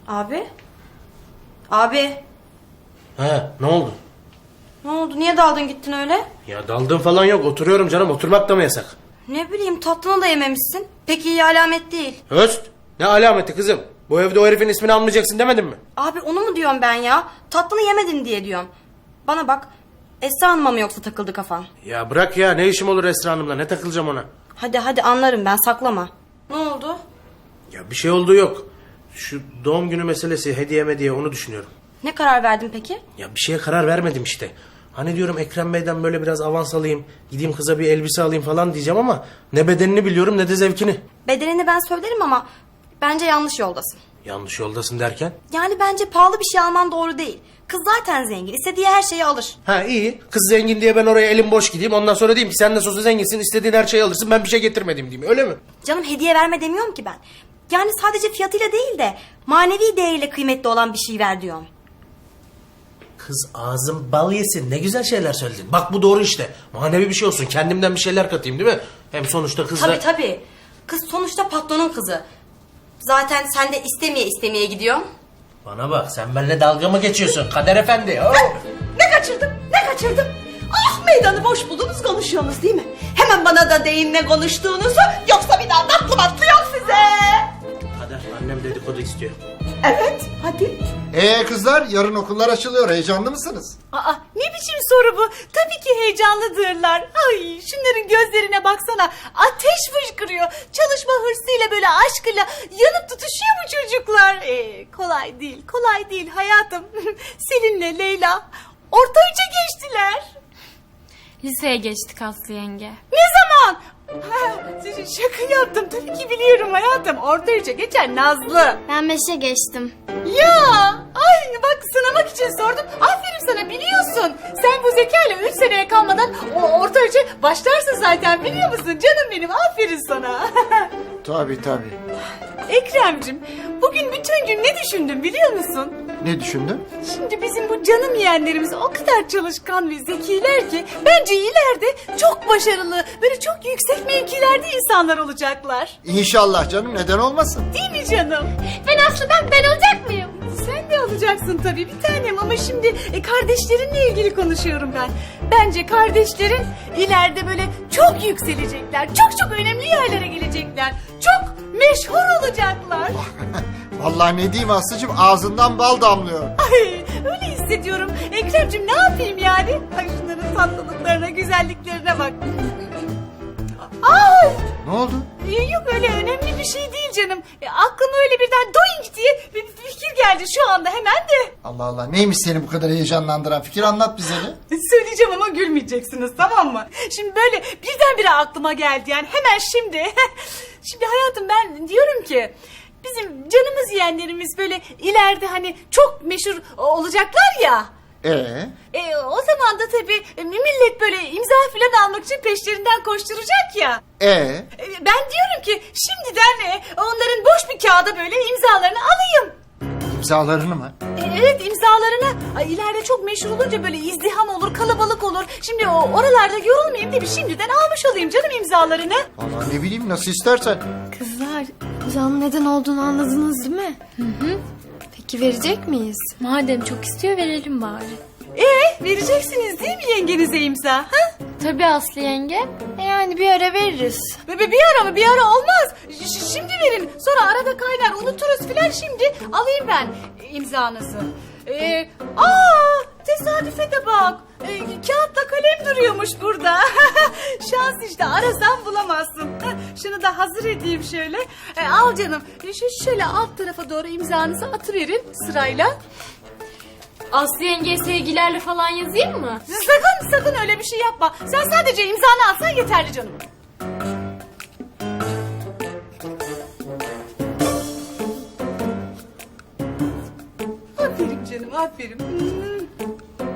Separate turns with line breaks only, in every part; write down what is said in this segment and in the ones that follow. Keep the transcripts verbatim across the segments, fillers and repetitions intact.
Abi? Abi?
He, ne oldu?
Ne oldu? Niye daldın gittin öyle?
Ya daldığım falan yok. Oturuyorum canım. Oturmak da mı yasak?
Ne bileyim, tatlını da yememişsin. Pek iyi alamet değil.
Höst. Ne alameti kızım? Bu evde o herifin ismini almayacaksın demedim mi?
Abi onu mu diyorum ben ya? Tatlını yemedin diye diyorum. Bana bak. Esra Hanım'a mı yoksa takıldı kafan?
Ya bırak ya. Ne işim olur Esra Hanım'la? Ne takılacağım ona?
Hadi hadi anlarım ben, saklama. Ne oldu?
Ya bir şey olduğu yok. Şu doğum günü meselesi, hediye mediye, onu düşünüyorum.
Ne karar verdin peki?
Ya bir şeye karar vermedim işte. Hani diyorum Ekrem Bey'den böyle biraz avans alayım, gideyim kıza bir elbise alayım falan diyeceğim ama ne bedenini biliyorum ne de zevkini.
Bedenini ben söylerim ama bence yanlış yoldasın.
Yanlış yoldasın derken?
Yani bence pahalı bir şey alman doğru değil. Kız zaten zengin. İstediği her şeyi alır.
Ha iyi. Kız zengin diye ben oraya elim boş gideyim. Ondan sonra diyeyim ki sen de sosu zenginsin, istediğin her şeyi alırsın, ben bir şey getirmedim diyeyim. Öyle mi?
Canım hediye verme demiyorum ki ben. Yani sadece fiyatıyla değil de manevi değeriyle kıymetli olan bir şey ver diyorum.
Kız ağzım bal yesin. Ne güzel şeyler söyledin. Bak bu doğru işte. Manevi bir şey olsun. Kendimden bir şeyler katayım değil mi? Hem sonuçta kızla...
Tabii tabii. Kız sonuçta patronun kızı. Zaten sen de istemeye istemeye gidiyorsun.
Bana bak, sen benimle dalga mı geçiyorsun Kader Efendi? Oh!
Ne kaçırdım? Ne kaçırdım? Ah, meydanı boş buldunuz, konuşuyorsunuz değil mi? Hemen bana da deyin ne konuştuğunuzu, yoksa bir daha tatlı matlı yok size.
Kader, annem dedikodu istiyor.
Evet, hadi.
Ee kızlar, yarın okullar açılıyor. Heyecanlı mısınız?
Aa, ne biçim soru bu? Tabii ki heyecanlıdırlar. Ay, şunların gözlerine baksana. Ateş fışkırıyor. Çalışma hırsıyla, böyle aşkıyla yanıp tutuşuyor bu çocuklar. Ee, kolay değil, kolay değil hayatım. Selin'le Leyla orta üçe geçtiler.
Liseye geçtik Aslı yenge.
Ne zaman? Ha, şaka yaptım, tabii ki biliyorum hayatım. Orta üçe geçen Nazlı.
Ben beşe geçtim.
Ya, ay bak, sınamak için sordum. Aferin sana, biliyorsun. Sen bu zekayla üç seneye kalmadan o orta üçe başlarsın zaten, biliyor musun? Canım benim, aferin sana.
Tabii tabii.
Ekrem'cim, bugün bütün gün ne düşündüm biliyor musun?
Ne düşündün?
Şimdi bizim bu canım yeğenlerimiz o kadar çalışkan ve zekiler ki bence ileride çok başarılı, böyle çok yüksek mevkilerde insanlar olacaklar.
İnşallah canım, neden olmasın?
Değil mi canım? Ben aslında ben olacak mıyım? Sen de olacaksın tabii bir tanem, ama şimdi e, kardeşlerinle ilgili konuşuyorum ben. Bence kardeşlerin ileride böyle çok yükselecekler, çok çok önemli yerlere gelecekler, çok meşhur olacaklar.
Vallahi ne diyeyim Aslı'cığım, ağzından bal damlıyor.
Ay, öyle hissediyorum. Ekrem'cim ne yapayım yani? Ay, şunların tatlılıklarına, güzelliklerine bak. Ay!
Ne oldu?
Ee, Yok, öyle önemli bir şey değil canım. E, aklıma öyle birden doink diye bir fikir geldi şu anda hemen de.
Allah Allah, neymiş seni bu kadar heyecanlandıran fikir, anlat bize de.
Söyleyeceğim ama gülmeyeceksiniz, tamam mı? Şimdi böyle birdenbire aklıma geldi yani, hemen şimdi. Şimdi hayatım, ben diyorum ki bizim canımız yeğenlerimiz böyle ileride hani çok meşhur olacaklar ya.
Ee?
E, o zaman da tabii e, millet böyle imza falan almak için peşlerinden koşturacak ya.
Ee?
E, ben diyorum ki şimdiden e, onların boş bir kağıda böyle imzalarını alayım.
İmzalarını mı?
E, evet, imzalarını. Ay, ileride çok meşhur olunca böyle izdiham olur, kalabalık olur. Şimdi o oralarda yorulmayayım diye bir şimdiden almış olayım canım imzalarını.
Vallahi ne bileyim, nasıl istersen.
Kızlar, imzanın neden olduğunu anladınız değil mi? Hı hı. Peki verecek miyiz? Madem çok istiyor, verelim bari.
E vereceksiniz değil mi yengenize imza? Ha?
Tabii Aslı yenge. E yani bir ara veririz.
Be, be, bir ara mı? Bir ara olmaz. Ş- şimdi verin. Sonra arada kaynar, unuturuz filan. Şimdi alayım ben imzanızı. Ee, aa, tesadüfe de bak. Ee, kağıtla kalem duruyormuş burada. Şans işte, arasan bulamazsın. Şunu da hazır edeyim şöyle. Ee, al canım. Ee, şu şöyle alt tarafa doğru imzanızı atıverin sırayla.
Aslı yengeye sevgilerle falan yazayım mı?
Sakın sakın öyle bir şey yapma. Sen sadece imzanı atsan yeterli canım. Aferin canım, aferin. Hmm.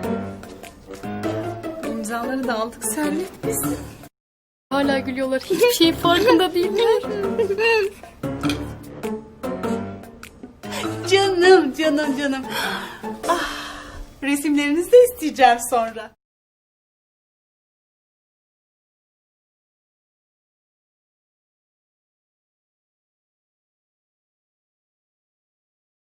İmzaları da aldık, serlet biz.
Hala gülüyorlar. Hiçbir şeyin farkında değiller.
Canım, canım, canım. Ah, resimlerinizi de isteyeceğim sonra.